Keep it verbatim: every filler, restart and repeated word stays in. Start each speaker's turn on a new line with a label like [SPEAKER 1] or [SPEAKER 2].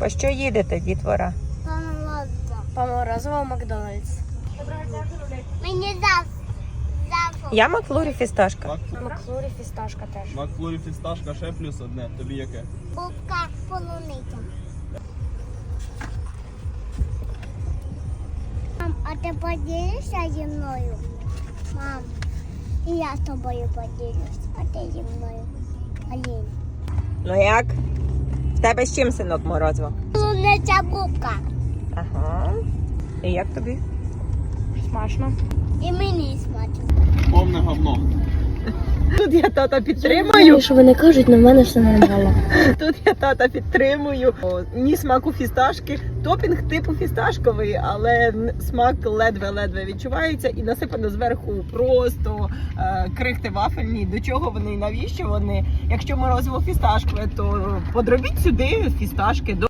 [SPEAKER 1] По що їдете, дітвора?
[SPEAKER 2] По морозиво в Макдональдс.
[SPEAKER 3] Мені дав.
[SPEAKER 1] Я Макфлурі фісташка.
[SPEAKER 2] Макфлурі фісташка теж.
[SPEAKER 4] Макфлурі фісташка, ще плюс одне. Тобі яке?
[SPEAKER 3] Бубка полуниця. Мам, а ти поділишся зі мною? Мам, і я з тобою поділюсь, а ти зі мною. Алін.
[SPEAKER 1] Ну як? В тебе з чим, синок, морозиво?
[SPEAKER 3] Полуниця бубка.
[SPEAKER 1] Ага. І як тобі?
[SPEAKER 2] Смачно.
[SPEAKER 3] І мені смачно.
[SPEAKER 4] Повне говно.
[SPEAKER 1] Тут я тата підтримую.
[SPEAKER 2] Що вони кажуть, на мене все нормально.
[SPEAKER 1] Тут я тата підтримую. О, ні смаку фісташки. Топінг типу фісташковий, але н- смак ледве-ледве відчувається і насипано зверху просто е, крихти вафельні. До чого вони і навіщо вони? Якщо морозиво фісташкове, то подробіть сюди фісташки.